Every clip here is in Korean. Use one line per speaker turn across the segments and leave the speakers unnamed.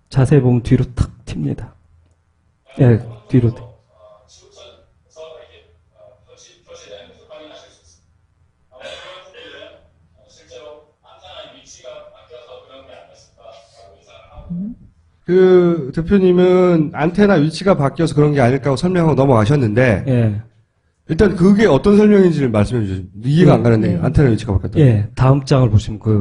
자세히 보면 뒤로 탁 튑니다. 예, 뒤로.
그 대표님은 안테나 위치가 바뀌어서 그런 게 아닐까 하고 설명하고 넘어가셨는데
예.
일단 그게 어떤 설명인지를 말씀해 주세요. 이해가 안 가는데 안테나 위치가 바뀌었다.
예, 다음 장을 보시면 그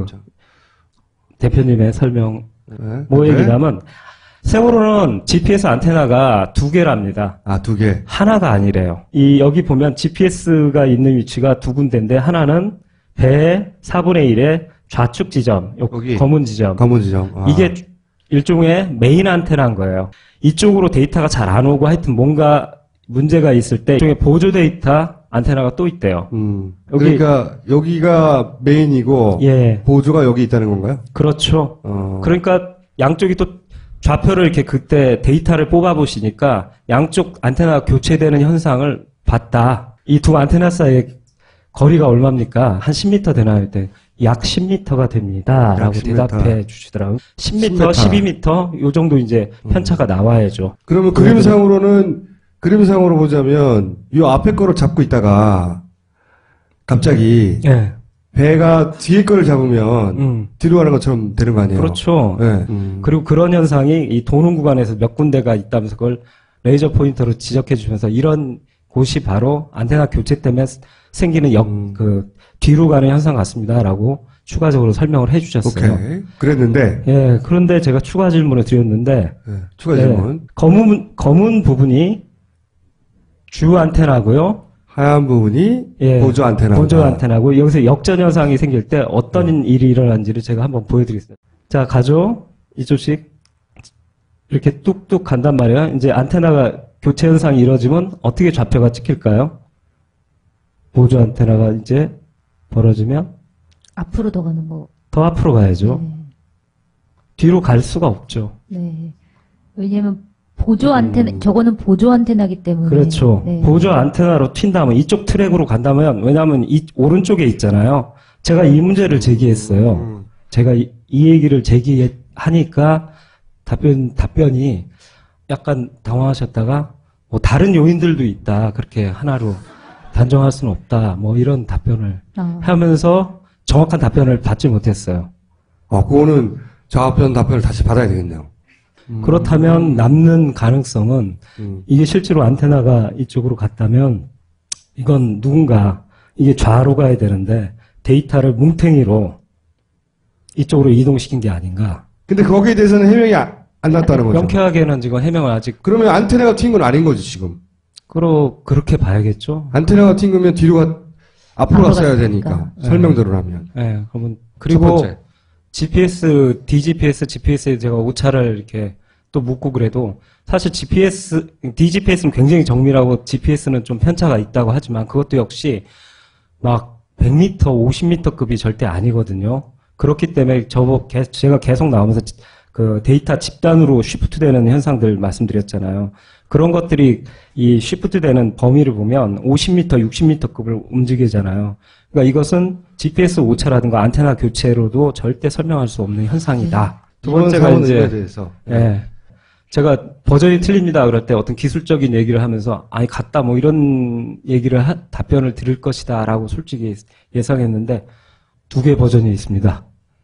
대표님의 설명 뭐 얘기냐면 세월호는 GPS 안테나가 2개랍니다.
아, 2개.
하나가 아니래요. 여기 보면 GPS가 있는 위치가 2군데인데 하나는 배의 4분의 1의 좌측 지점,
여기
검은 지점.
검은 지점. 아.
이게 일종의 메인 안테나인 거예요. 이쪽으로 데이터가 잘 안 오고 하여튼 뭔가 문제가 있을 때 일종의 보조 데이터 안테나가 또 있대요.
그러니까 여기가 메인이고
예.
보조가 여기 있다는 건가요?
그렇죠. 그러니까 양쪽이 또 좌표를 이렇게 그때 데이터를 뽑아 보시니까 양쪽 안테나가 교체되는 현상을 봤다. 이 두 안테나 사이의 거리가 얼마입니까? 한 10m 되나요? 약 10m가 됩니다. 라고
10m.
대답해 주시더라고요. 10m, 12m, 요 정도 이제 편차가 나와야죠.
그러면 그림상으로 보자면 이 앞에 거를 잡고 있다가 갑자기
예.
배가 뒤에 거를 잡으면 뒤로 가는 것처럼 되는 거 아니에요?
그렇죠.
네.
그리고 그런 현상이 이 도는 구간에서 몇 군데가 있다면서 그걸 레이저 포인터로 지적해 주면서 이런 곳이 바로 안테나 교체 때문에 생기는 뒤로 가는 현상 같습니다라고 추가적으로 설명을 해 주셨어요.
오케이. 그랬는데.
예, 그런데 제가 추가 질문을 드렸는데.
네, 추가 질문.
예, 검은 부분이 주 안테나고요.
하얀 부분이
예,
보조 안테나.
보조 안테나고 여기서 역전 현상이 생길 때 어떤 일이 일어난지를 제가 한번 보여드리겠습니다. 자, 가죠. 이쪽씩 이렇게 뚝뚝 간단 말이에요. 이제 안테나가 교체 현상이 이루어지면 어떻게 좌표가 찍힐까요? 보조 안테나가 이제 벌어지면
앞으로 더 가는 거.
더 앞으로 가야죠.
네.
뒤로 갈 수가 없죠.
네. 왜냐면 보조 안테나, 저거는 보조 안테나기 때문에.
그렇죠.
네.
보조 안테나로 튄다면 이쪽 트랙으로 간다면 왜냐하면 이 오른쪽에 있잖아요. 제가 이 문제를 제기했어요. 제가 이 얘기를 제기하니까 답변이 약간 당황하셨다가 뭐 다른 요인들도 있다. 그렇게 하나로 단정할 수는 없다. 뭐 이런 답변을 하면서 정확한 답변을 받지 못했어요.
그거는 좌편 답변을 다시 받아야 되겠네요.
그렇다면 남는 가능성은 이게 실제로 안테나가 이쪽으로 갔다면 이건 누군가 이게 좌로 가야 되는데 데이터를 뭉탱이로 이쪽으로 이동시킨 게 아닌가.
근데 거기에 대해서는 해명이 안 났다는 거죠.
명쾌하게는 지금 해명을 아직.
그러면 안테나가 튄 건 아닌 거지 지금.
그렇게 봐야겠죠.
안테나가 튄 거면 앞으로 갔어야 되니까.
네.
설명대로라면.
네, 그러면 그리고 GPS, DGPS, GPS에 제가 오차를 이렇게 또 묻고 그래도 사실 DGPS는 굉장히 정밀하고 GPS는 좀 편차가 있다고 하지만 그것도 역시 막 100m, 50m급이 절대 아니거든요. 그렇기 때문에 제가 계속 나오면서 그 데이터 집단으로 쉬프트 되는 현상들 말씀드렸잖아요. 그런 것들이 이 쉬프트 되는 범위를 보면 50m, 60m급을 움직이잖아요. 그러니까 이것은 GPS 오차라든가 안테나 교체로도 절대 설명할 수 없는 현상이다. 두 번째가 이제
대해서.
예. 제가 버전이 틀립니다. 그럴 때 어떤 기술적인 얘기를 하면서 아니 같다 뭐 이런 얘기를 답변을 드릴 것이다라고 솔직히 예상했는데 2개 버전이 있습니다.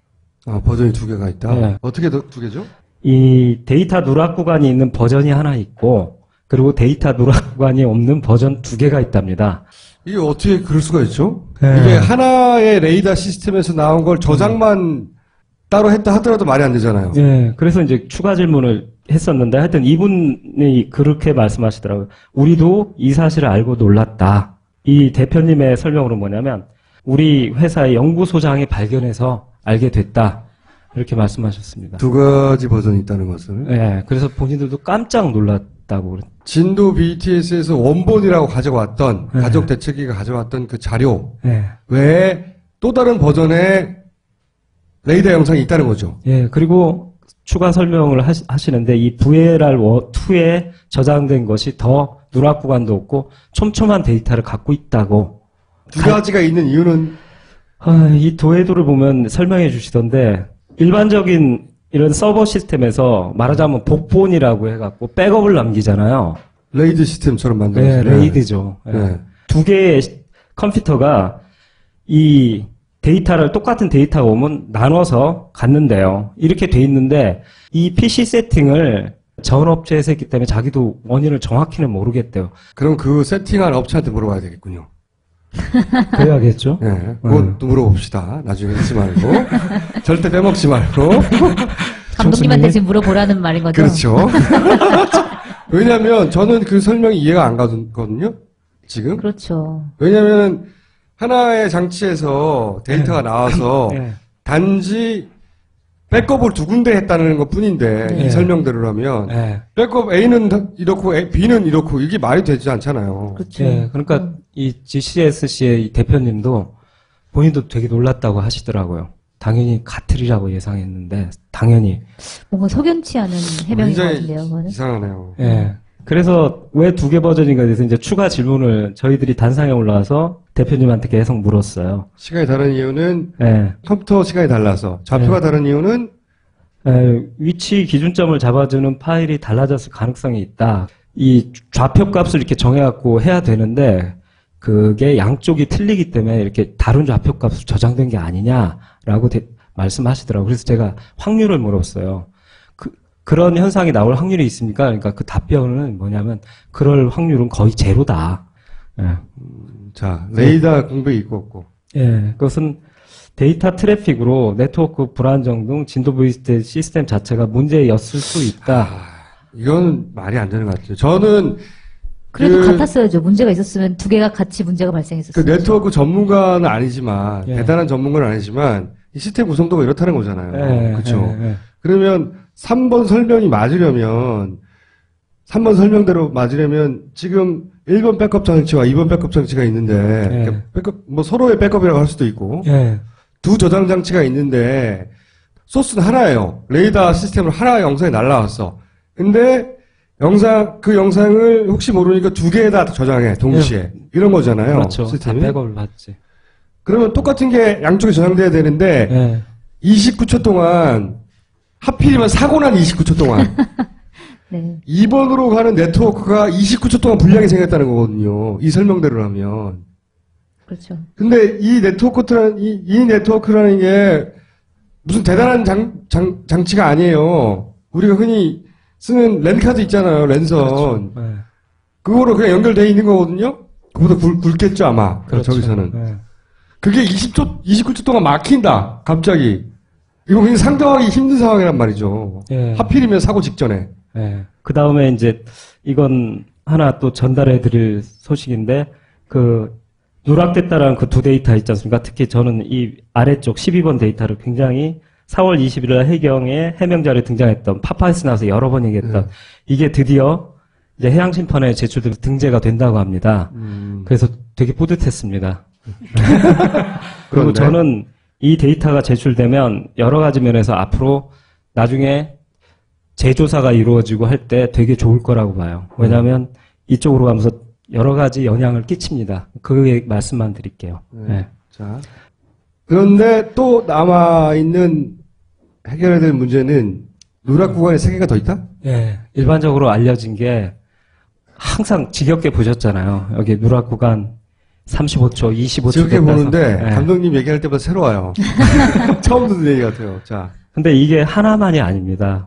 버전이 2개가 있다.
네.
어떻게 2개죠?
이 데이터 누락 구간이 있는 버전이 하나 있고 그리고 데이터 누락 구간이 없는 버전 2개가 있답니다.
이게 어떻게 그럴 수가 있죠?
네.
이게 하나의 레이더 시스템에서 나온 걸 저장만 따로 했다 하더라도 말이 안 되잖아요.
예, 그래서 이제 추가 질문을 했었는데 하여튼 이분이 그렇게 말씀하시더라고요. 우리도 이 사실을 알고 놀랐다. 이 대표님의 설명으로 뭐냐면 우리 회사의 연구소장이 발견해서 알게 됐다. 이렇게 말씀하셨습니다.
2가지 버전이 있다는 것을.
예, 그래서 본인들도 깜짝 놀랐다고 그랬죠.
진도 BTS에서 원본이라고 가져왔던 가족 대책위가 가져왔던 그 자료 외에 또 다른 버전의 레이더 영상이 있다는 거죠.
예, 그리고 추가 설명을 하시는데 이 VLR2에 저장된 것이 더 누락 구간도 없고 촘촘한 데이터를 갖고 있다고.
2가지가 있는 이유는
이 도해도를 보면 설명해 주시던데 일반적인 이런 서버 시스템에서 말하자면 복본이라고 해갖고 백업을 남기잖아요.
레이드 시스템처럼
네,
만들어요.
레이드죠. 네.
네.
두 개의 컴퓨터가 이 데이터를 똑같은 데이터가 오면 나눠서 갖는데요. 이렇게 돼 있는데 이 PC 세팅을 전 업체에서 했기 때문에 자기도 원인을 정확히는 모르겠대요.
그럼 그 세팅한 업체한테 물어봐야 되겠군요.
그래야겠죠?
네, 그것도 물어봅시다. 나중에 잊지 말고. 절대 빼먹지 말고.
감독님한테 지금 물어보라는 말인 거죠?
그렇죠. 왜냐면 저는 그 설명이 이해가 안 가거든요. 지금.
그렇죠.
왜냐면 하나의 장치에서 데이터가 나와서
네.
단지 백업을 두 군데 했다는 것 뿐인데
네.
이 설명대로라면
네.
백업 A는 이렇고 B는 이렇고 이게 말이 되지 않잖아요.
그렇죠.
네, 그러니까 이 GCSC의 이 대표님도 본인도 되게 놀랐다고 하시더라고요. 당연히 같으리라고 예상했는데 당연히.
뭔가 석연치 않은 해명인 것
굉장히
같은데요, 그거는.
이상하네요.
예. 그래서 왜 두 개 버전인가에 대해서 이제 추가 질문을 저희들이 단상에 올라와서 대표님한테 계속 물었어요.
시간이 다른 이유는
예.
컴퓨터 시간이 달라서 좌표가
네.
다른 이유는
위치 기준점을 잡아주는 파일이 달라졌을 가능성이 있다. 이 좌표 값을 이렇게 정해갖고 해야 되는데 그게 양쪽이 틀리기 때문에 이렇게 다른 좌표 값으로 저장된 게 아니냐라고 말씀하시더라고요. 그래서 제가 확률을 물었어요. 그런 현상이 나올 확률이 있습니까? 그러니까 그 답변은 뭐냐면 그럴 확률은 거의 제로다. 예.
자 레이더 공백이 있고 없고.
예, 그것은 데이터 트래픽으로 네트워크 불안정 등 진도 VST 시스템 자체가 문제였을 수 있다.
이건 말이 안 되는 것 같아요. 저는
그래도 같았어야죠. 문제가 있었으면 두 개가 같이 문제가
그
발생했었어요.
네트워크 전문가는 아니지만
예.
대단한 전문가는 아니지만 이 시스템 구성도가 이렇다는 거잖아요. 그렇죠.
예.
그러면 3번 설명이 맞으려면 3번 설명대로 맞으려면 지금 1번 백업 장치와 2번 백업 장치가 있는데
예.
백업 뭐 서로의 백업이라고 할 수도 있고
예.
두 저장 장치가 있는데 소스는 하나예요. 레이더 시스템으로 하나의 영상이 날라왔어. 근데 그 영상을 혹시 모르니까 두 개에다 저장해 동시에 이런 거잖아요.
그렇죠.
시스템이.
다 백업을 받지.
그러면 똑같은 게 양쪽에 저장돼야 되는데
예.
29초 동안 하필이면 사고 난 29초 동안
네.
2번으로 가는 네트워크가 29초 동안 불량이 생겼다는 거거든요. 이 설명대로라면.
그렇죠.
근데 이 네트워크라는 게 무슨 대단한 장치가 아니에요. 우리가 흔히 쓰는 랜카드 있잖아요. 랜선.
그렇죠. 예.
그거로 그냥 연결되어 있는 거거든요. 그보다 굵겠죠 아마.
그렇죠.
저기서는.
예.
그게 29초 동안 막힌다. 갑자기. 이거 굉장히 상정하기 힘든 상황이란 말이죠.
예.
하필이면 사고 직전에.
예. 그 다음에 이제 이건 하나 또 전달해 드릴 소식인데 그 누락됐다라는 그 두 데이터 있지 않습니까? 특히 저는 이 아래쪽 12번 데이터를 굉장히 4월 20일 날 해경에 해명 자료에 등장했던 파파이스 나와서 여러 번 얘기했던 이게 드디어 이제 해양심판에 제출돼서 등재가 된다고 합니다. 그래서 되게 뿌듯했습니다. 그리고
그런데?
저는 이 데이터가 제출되면 여러 가지 면에서 앞으로 나중에 재조사가 이루어지고 할 때 되게 좋을 거라고 봐요. 왜냐하면 이쪽으로 가면서 여러 가지 영향을 끼칩니다. 그 말씀만 드릴게요. 네.
자. 그런데 또 남아있는 해결해야 될 문제는 누락 구간에 3개가 더 있다?
예, 일반적으로 알려진 게 항상 지겹게 보셨잖아요. 여기 누락 구간 35초, 25초.
지겹게 보는데
예.
감독님 얘기할 때마다 새로워요. 처음 듣는 얘기 같아요. 자.
근데 이게 하나만이 아닙니다.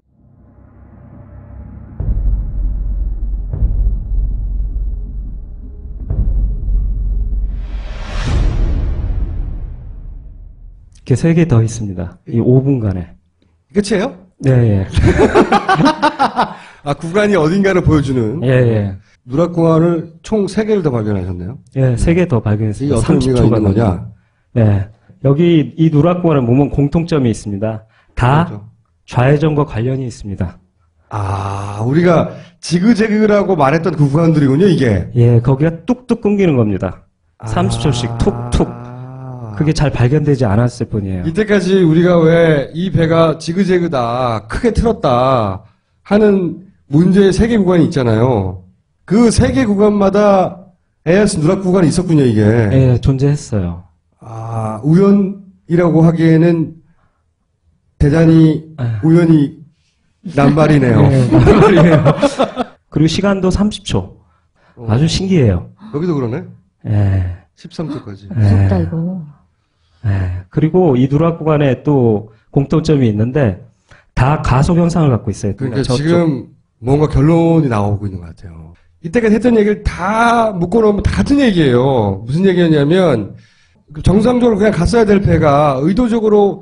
이렇게 3개 더 있습니다. 이 5분간에.
끝이에요?
네, 예.
아, 구간이 어딘가를 보여주는.
예, 예.
누락 구간을 총 3개를 더 발견하셨네요.
예, 3개 더
이게
발견했습니다.
어떤 의미가
30초가
있는 거냐?
네. 여기 이 누락 구간을 보면 공통점이 있습니다. 다
그렇죠.
좌회전과 관련이 있습니다.
아, 우리가 지그재그라고 말했던 그 구간들이군요, 이게.
예, 거기가 뚝뚝 끊기는 겁니다. 30초씩 툭툭. 그게 잘 발견되지 않았을 뿐이에요.
이때까지 우리가 왜 이 배가 지그재그다, 크게 틀었다 하는 문제의 3개 구간이 있잖아요. 그 3개 구간마다 AS 누락 구간이 있었군요, 이게.
예, 존재했어요.
아, 우연이라고 하기에는 대단히 우연히 남발이네요.
말이에요. 그리고 시간도 30초. 아주 신기해요.
여기도 그러네.
예.
13초까지.
무섭다, 이거.
예. 그리고 이 누락 구간에 또 공통점이 있는데 다 가속 현상을 갖고 있어요.
그러니까
저쪽.
지금 뭔가 결론이 나오고 있는 것 같아요. 이때까지 했던 얘기를 다 묶어놓으면 다 같은 얘기예요. 무슨 얘기였냐면 정상적으로 그냥 갔어야 될 배가 의도적으로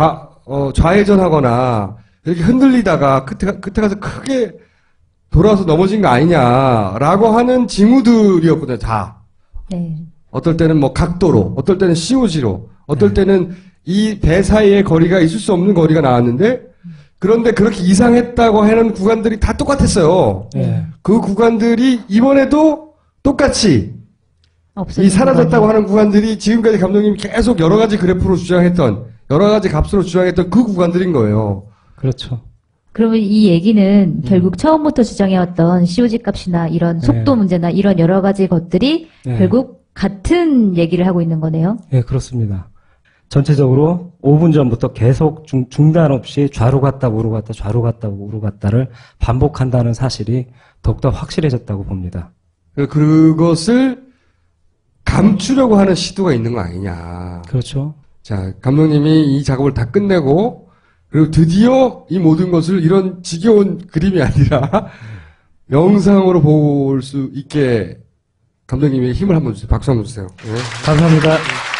좌회전하거나 이렇게 흔들리다가 끝에 가서 크게 돌아서 넘어진 거 아니냐라고 하는 징후들이었거든요. 다.
네.
어떨 때는 뭐 각도로, 어떨 때는 COG로, 어떨 때는 이 배 사이의 거리가 있을 수 없는 거리가 나왔는데 그런데 그렇게 이상했다고 하는 구간들이 다 똑같았어요.
예.
그 구간들이 이번에도 똑같이
없어진
이 사라졌다고
구간이에요.
하는 구간들이 지금까지 감독님이 계속 여러 가지 그래프로 주장했던 여러 가지 값으로 주장했던 그 구간들인 거예요.
그렇죠.
그러면 이 얘기는 결국 처음부터 주장해왔던 COG 값이나 이런 속도
네.
문제나 이런 여러 가지 것들이
네.
결국 같은 얘기를 하고 있는 거네요.
예, 그렇습니다. 전체적으로 5분 전부터 계속 중단 없이 좌로 갔다 우로 갔다 좌로 갔다 우로 갔다를 반복한다는 사실이 더욱더 확실해졌다고 봅니다.
그것을 감추려고 하는 시도가 있는 거 아니냐.
그렇죠.
자, 감독님이 이 작업을 다 끝내고 그리고 드디어 이 모든 것을 이런 지겨운 그림이 아니라 영상으로 볼 수 있게 감독님의 힘을 한번 주세요. 박수 한번 주세요. 네.
감사합니다.